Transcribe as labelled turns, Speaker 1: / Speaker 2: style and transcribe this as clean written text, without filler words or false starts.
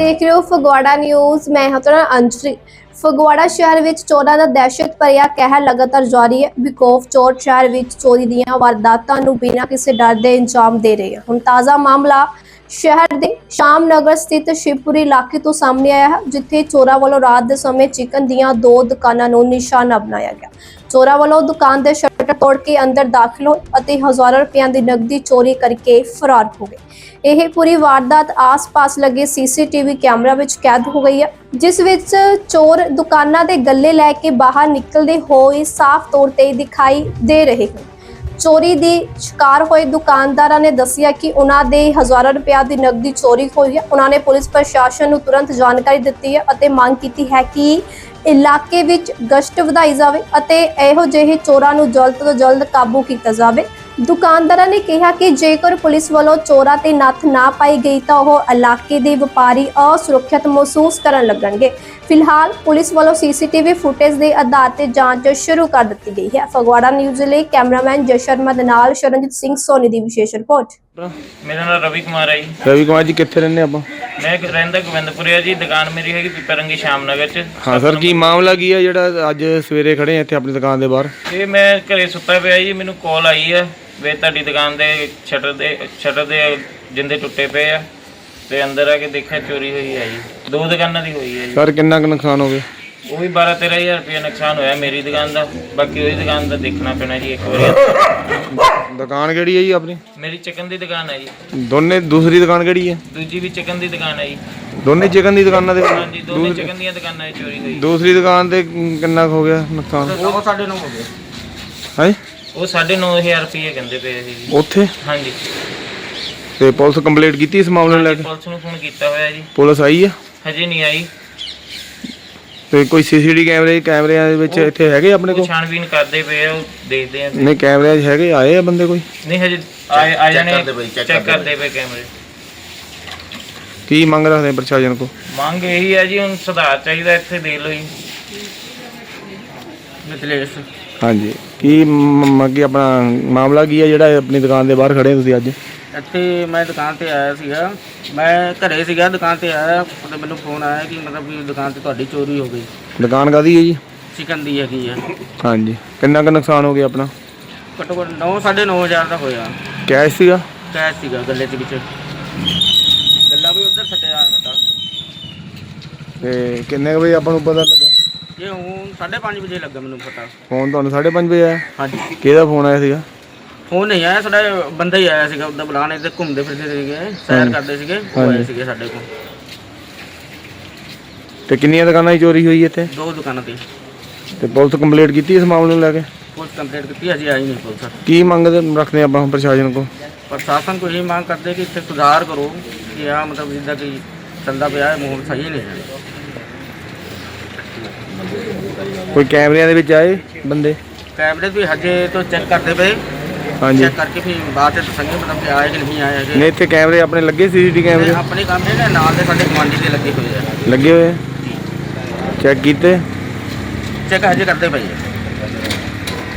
Speaker 1: देख रहे हो फगवाड़ा न्यूज़। मैं हाँ तुहाडा अंजलि। फगवाड़ा शहर विच चोरां दा दहशत भरिया कहर लगातार जारी है। बिकोफ चोर शहर विच चोरी दीयां वारदातां नूं बिना किसी डर दे अंजाम दे रहे हैं। हुण ताज़ा मामला शहर दे शाम नगर स्थित शिवपुरी इलाके तो सामने आया है, जिथे चोरां वालों रात दे समय चिकन दीयां 2 दुकानां नूं निशाना बनाया गया। चोरां वालों दुकान दे शटर तोड़ के अंदर दाखिल होए अते हज़ारों रुपयां दी नकदी चोरी करके फरार हो गए। यह पूरी वारदात आस-पास लगे सीसीटीवी कैमरा विच कैद हो गई है, जिस विच चोर दुकानां दे गल्ले लैके बाहर निकलदे होए साफ तौर ते दिखाई दे रहे हैं। चोरी दी शिकार होए दुकानदारां ने दस्सिया कि उन्हां दे हज़ारों रुपया दी नकदी चोरी हुई है। उन्होंने पुलिस प्रशासन नूं तुरंत जानकारी दित्ती है अते मांग कीती है कि इलाके विच गश्त वधाई जावे अते इहो जिहे चोरां नूं जल्द तो जल्द काबू कीता जावे। दुकानदारां ने कहा कि जेकर पुलिस वालों चोरां ते नੱਥ ना पाई गई तो वह इलाके के व्यापारी असुरक्षित महसूस करन लगणगे। फिलहाल पुलिस वालों सीसीटीवी फुटेज के आधार पर जांच शुरू कर दी गई है। फगवाड़ा न्यूज़ लिए कैमरामैन जय शर्मा दे नाल शरणजीत सिंह सोनी की विशेष रिपोर्ट।
Speaker 2: मेरा नाम रवि कुमार है जी।
Speaker 3: रवि कुमार जी कितने रहने आप?
Speaker 2: मैं रहंदा गोविंदपुर है जी। दुकान मेरी है पिपरंगी शाम नगर च।
Speaker 3: हाँ सर, की मामला की है ਜਿਹੜਾ ਅੱਜ ਸਵੇਰੇ ਖੜੇ ਆ ਇੱਥੇ ਆਪਣੀ ਦੁਕਾਨ ਦੇ ਬਾਹਰ?
Speaker 2: ਇਹ ਮੈਂ ਘਰੇ ਸੁੱਤਾ ਪਿਆ ਜੀ, ਮੈਨੂੰ ਕਾਲ ਆਈ ਹੈ ਵੇ ਤੁਹਾਡੀ ਦੁਕਾਨ ਦੇ ਸ਼ਟਰ ਦੇ ਜਿੰਦੇ ਟੁੱਟੇ ਪਏ ਆ ਤੇ ਅੰਦਰ ਆ ਕੇ ਦੇਖਿਆ ਚੋਰੀ ਹੋਈ ਹੈ ਜੀ। 2 ਦੁਕਾਨਾਂ ਦੀ ਹੋਈ ਹੈ ਜੀ।
Speaker 3: ਸਰ ਕਿੰਨਾ ਕੁ ਨੁਕਸਾਨ ਹੋ ਗਿਆ?
Speaker 2: ਉਹ ਵੀ 12-13 ਹਜ਼ਾਰ ਰੁਪਏ ਨੁਕਸਾਨ ਹੋਇਆ ਮੇਰੀ ਦੁਕਾਨ ਦਾ। ਬਾਕੀ ਉਹਦੀ ਦੁਕਾਨ ਦਾ ਦੇਖਣਾ ਪੈਣਾ ਜੀ ਇੱਕ ਵਾਰੀ।
Speaker 3: ਦੁਕਾਨ ਕਿਹੜੀ ਹੈ ਜੀ ਆਪਣੀ?
Speaker 2: ਮੇਰੀ ਚਿਕਨ ਦੀ ਦੁਕਾਨ ਹੈ ਜੀ।
Speaker 3: ਦੋਨੇ? ਦੂਸਰੀ ਦੁਕਾਨ ਕਿਹੜੀ ਹੈ?
Speaker 2: ਦੂਜੀ ਵੀ ਚਿਕਨ ਦੀ ਦੁਕਾਨ ਹੈ ਜੀ।
Speaker 3: ਦੋਨੇ ਚਿਕਨ ਦੀ ਦੁਕਾਨਾਂ ਦੇ?
Speaker 2: ਹਾਂਜੀ, ਦੋਨੇ ਚਿਕਨ ਦੀਆਂ ਦੁਕਾਨਾਂ 'ਚ ਚੋਰੀ ਹੋਈ।
Speaker 3: ਦੂਸਰੀ ਦੁਕਾਨ ਤੇ ਕਿੰਨਾ ਕੁ ਹੋ ਗਿਆ ਨੁਕਸਾਨ?
Speaker 2: ਉਹ 9.5 ਹੋ ਗਿਆ।
Speaker 3: ਹੈ
Speaker 2: ਉਹ 9.5 ਰੁਪਏ ਕਹਿੰਦੇ ਪਏ ਸੀ ਜੀ
Speaker 3: ਉੱਥੇ?
Speaker 2: ਹਾਂਜੀ।
Speaker 3: ਤੇ ਪੁਲਿਸ ਕੰਪਲੀਟ ਕੀਤੀ ਇਸ ਮਾਮਲੇ ਨੂੰ ਲੈ ਕੇ?
Speaker 2: ਪੁਲਿਸ ਨੂੰ ਫੋਨ ਕੀਤਾ ਹੋਇਆ ਜੀ।
Speaker 3: ਪੁਲਿਸ ਆਈ ਆ?
Speaker 2: ਹਜੇ ਨਹੀਂ ਆਈ।
Speaker 3: ਤੇ ਕੋਈ ਸੀਸੀਟੀਵੀ ਕੈਮਰਿਆਂ ਦੇ ਵਿੱਚ ਇੱਥੇ ਹੈਗੇ ਆਪਣੇ ਕੋਲ?
Speaker 2: ਛਾਣਬੀਨ ਕਰਦੇ ਪਏ ਆ, ਉਹ ਦੇਖਦੇ ਆ।
Speaker 3: ਨਹੀਂ ਕੈਮਰਿਆਂ 'ਚ ਹੈਗੇ? ਆਏ ਆ ਬੰਦੇ ਕੋਈ?
Speaker 2: ਨਹੀਂ ਹਜੇ ਆ ਜਾਣੇ, ਚੈੱਕ ਕਰਦੇ ਪਏ ਕੈਮਰੇ।
Speaker 3: ਕੀ ਮੰਗ ਰੱਖਦੇ ਪ੍ਰਸ਼ਾਸਨ ਕੋ?
Speaker 2: ਮੰਗ ਇਹੀ ਹੈ ਜੀ, ਹੁਣ ਸੁਧਾਰ ਚਾਹੀਦਾ ਇੱਥੇ। ਦੇਖ ਲਓ ਜੀ ਮਿਥਲੇਸ਼।
Speaker 3: ਹਾਂਜੀ, ਕੀ ਅੱਗੇ ਆਪਣਾ ਮਾਮਲਾ ਕੀ ਹੈ ਜਿਹੜਾ ਆਪਣੀ ਦੁਕਾਨ ਦੇ ਬਾਹਰ ਖੜੇ ਤੁਸੀਂ ਅੱਜ?
Speaker 4: ਇੱਥੇ ਮੈਂ ਦੁਕਾਨ ਤੇ ਆਇਆ ਸੀਗਾ, ਮੈਂ ਘਰੇ ਸੀਗਾ, ਦੁਕਾਨ ਤੇ ਆਇਆ ਤੇ ਮੈਨੂੰ ਫੋਨ ਆਇਆ ਕਿ ਮਤਲਬ ਕਿ ਦੁਕਾਨ ਤੇ ਤੁਹਾਡੀ ਚੋਰੀ ਹੋ ਗਈ।
Speaker 3: ਦੁਕਾਨ ਕਾਹਦੀ ਹੈ ਜੀ?
Speaker 4: ਚਿਕਨ ਦੀ ਹੈਗੀ ਆ।
Speaker 3: ਹਾਂਜੀ, ਕਿੰਨਾ ਕੁ ਨੁਕਸਾਨ ਹੋ ਗਿਆ ਆਪਣਾ?
Speaker 4: ਘੱਟੋ ਘੱਟ 9-9.5 ਦਾ ਹੋਇਆ।
Speaker 3: ਕੈਸ਼ ਸੀਗਾ?
Speaker 4: ਕੈਸ਼ ਸੀਗਾ ਗੱਲੇ ਦੇ ਵਿੱਚ। ਗੱਲਾ ਵੀ ਉੱਧਰ ਸੱਟਿਆ ਸਾਡਾ।
Speaker 3: ਤੇ ਕਿੰਨੇ ਕੁ ਵਜੇ ਆਪਾਂ ਨੂੰ ਪਤਾ ਲੱਗਾ?
Speaker 4: ਇਹ ਹੁਣ 5:30 ਵਜੇ ਲੱਗਾ ਮੈਨੂੰ ਪਤਾ।
Speaker 3: ਫੋਨ ਤੁਹਾਨੂੰ 5:30 ਵਜੇ ਆਇਆ?
Speaker 4: ਹਾਂਜੀ।
Speaker 3: ਕਿਹਦਾ ਫੋਨ ਆਇਆ ਸੀਗਾ?
Speaker 4: ਫੋਨ ਨਹੀਂ ਆਇਆ, ਸਾਡਾ ਬੰਦਾ ਹੀ ਆਇਆ ਸੀਗਾ। ਉੱਦਾਂ ਬੁਲਾਣੇ ਤੇ ਘੁੰਮਦੇ ਫਿਰਦੇ ਸੀਗੇ, ਸੈਰ ਕਰਦੇ ਸੀਗੇ, ਉਹ ਆਏ ਸੀਗੇ ਸਾਡੇ ਕੋਲ।
Speaker 3: ਤੇ ਕਿੰਨੀਆਂ ਦੁਕਾਨਾਂ ਦੀ ਚੋਰੀ ਹੋਈ ਇੱਥੇ?
Speaker 4: 2 ਦੁਕਾਨਾਂ ਤੇ।
Speaker 3: ਤੇ ਪੁਲਿਸ ਕੰਪਲੀਟ ਕੀਤੀ ਇਸ ਮਾਮਲੇ ਨੂੰ ਲੈ ਕੇ?
Speaker 4: ਪੁਲਿਸ ਕੰਪਲੀਟ ਕੀਤੀ, ਅਜੇ ਆਈ ਨਹੀਂ ਪੁਲਿਸ।
Speaker 3: ਕੀ ਮੰਗ ਰੱਖਦੇ ਆਪਾਂ ਪ੍ਰਸ਼ਾਸਨ ਕੋ?
Speaker 4: ਪ੍ਰਸ਼ਾਸਨ को यही मांग करते कि इतने सुधार करो कि यहाँ मतलब जिदा कि चलता पे माहौल सही नहीं है।
Speaker 3: ਕੋਈ ਕੈਮਰਿਆਂ ਦੇ ਵਿੱਚ ਆਏ ਬੰਦੇ?
Speaker 4: कैमरे भी हजे तो चेक करते पे।
Speaker 3: ਹਾਂਜੀ।
Speaker 4: चेक करके फिर बात दसेंगे मतलब कि आए कि नहीं आए।
Speaker 3: ਨਹੀਂ ਇੱਥੇ ਕੈਮਰੇ ਆਪਣੇ ਲੱਗੇ? ਸੀਸੀਟੀਵੀ ਕੈਮਰੇ
Speaker 4: अपने कैमरे ने नाल दे साडे गवांढी दे लगे हुए हैं।
Speaker 3: ਲੱਗੇ ਹੋਏ? ਚੈੱਕ ਕੀਤੇ?
Speaker 4: चेक हजे करते पे।